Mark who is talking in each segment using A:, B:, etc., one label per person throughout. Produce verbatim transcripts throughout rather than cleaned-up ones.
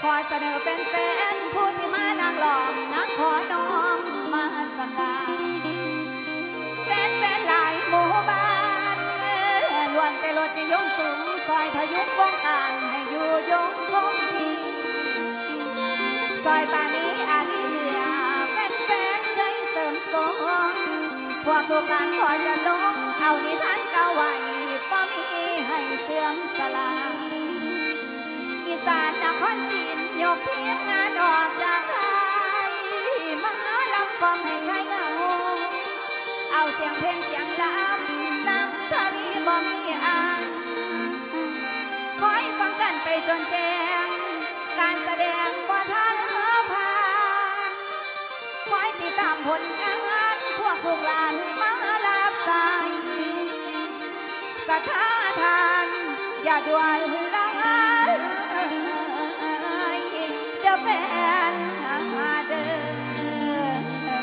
A: ขอเสนอเป็นแฟนผู้ที่มานางหลอมนักขอน้อมมาสกาแฟนแฟนหลายหมู่บ้านล้วนแต่ลดนิยมสูงซอยพยุงวงการให้อยู่ยงคงที่ซอยป่านี้อาลีเหลือแฟนแฟนเคยเสริมสองพวกลูกหลานขอจะลงเอานิทานเก่าไว้ป้อมีให้เสื่อมสลายอีสานนครศรียกเพียงงานออกจากไทยมาลำกลองให้ใครเงาเอาเสียงเพลงเสียงลำนำทวีบ่มีอ่านคอยฟังกันไปจนแจ้งการแสดงบ่ทันผ่านคอยติดตามผลงานพวกพวกหลานมาลาบสายสถาทานอย่าด่วนละเดี๋ยวแฟนมาเดิน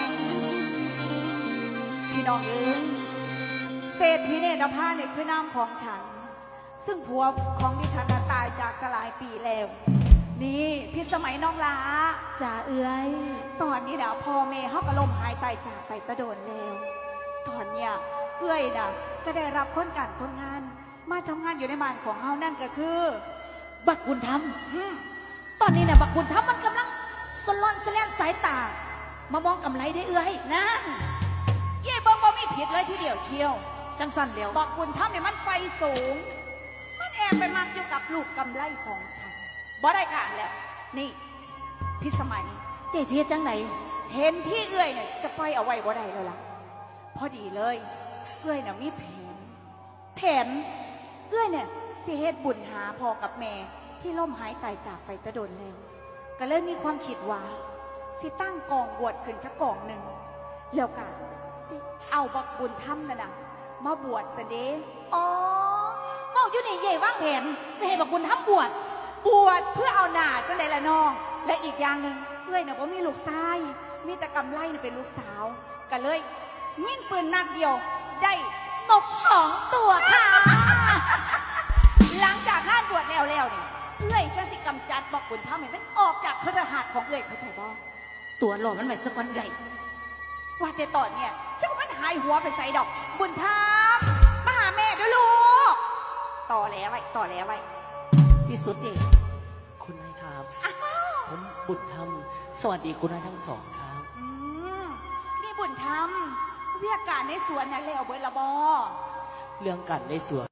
A: พี่น้องเอ๋ยเศรษฐีเนตรภาเนี่ยคือนามของฉันซึ่งผัวของดิฉันตายจากกหลายปีแล้วนี่พี่สมัยน้องลาจ่าเอื้อยตอนนี้นะพ่อแม่เขาก็ล้มหายตายจากไปตะโดนแล้วตอนเนี้ยเอื้อยนะก็ได้รับคนการคนงานมาทำงานอยู่ในบ้านของเฮานั่นก็คือ
B: บักบุญธรรมตอนนี้นะบักบุญธรรมมันกำลังสลอนสแลนสายตามามองกำไรได้เอื้อย
A: นั่นเย่บ่บ่มีผิดเลยทีเดียวเชียว
B: จังสันเดียว
A: บักบุญธรรมเนี่ยมันไฟสูงมันแอบไปมักอยู่กับลูกกำไรของฉันบ่ได้การแล้วนี่พี่สมัย
B: เจ๊เชียจังไหน
A: เห็นที่เอื้อยเนี่ยจะปล่อยเอาไว้บ่ได้แล้วล่ะพอดีเลยเอื้อยเนี่ยมีแผน
B: แผน
A: เอื้อยเนี่ยสิเฮ็ดบุญหาพ่อกับแม่ที่ล่มหายตายจากไปตะโดนแล้วก็เลยมีความคิดว่าสิตั้งกองบวชขึ้นชักกองหนึ่งแล้วกันสิเอาบักบุญธรรมนั่นน่ะมาบวชเสด็จ
B: อ๋อเมาอยู่นี่เย่ว่างแผนสิให้บักบุญธรรมบวช
A: บวชเพื่อเอาหน้าจังได๋ล่ะน้องและอีกอย่างหนึ่งเอื้อยน่ะบ่มีลูกชายมีแต่กำไลน่ะเป็นลูกสาวก็เลยยิงปืนนัดเดียวได้
B: ตกสองตัวค่ะ
A: หลังจากงานบวชแล้วแล้วเนี่ยเอื้อยจะสิกำจัดบอกบุญธรรมให้มันออกจากพระหัตถ์ของเอื้อยเข้าใจบ่
B: ตัวหล่อมันไหวสะกอนใหญ่
A: ว่าแต่ตอนเนี่ยเจ้ามันหายหัวไปใส่ดอกบุญธรรมมาหาแม่ด้วยลูกต่อแล้วไว้ต่อแล้วไว้
B: ที่สุดเอง
C: คุณนายครับผมบุญธรรมสวัสดีคุณนายทั้งสองครับ
A: อืมนี่บุญธรรมเวียกการในสวนนั้นแล้วเบิดละบ่
C: เรื่องการในสวน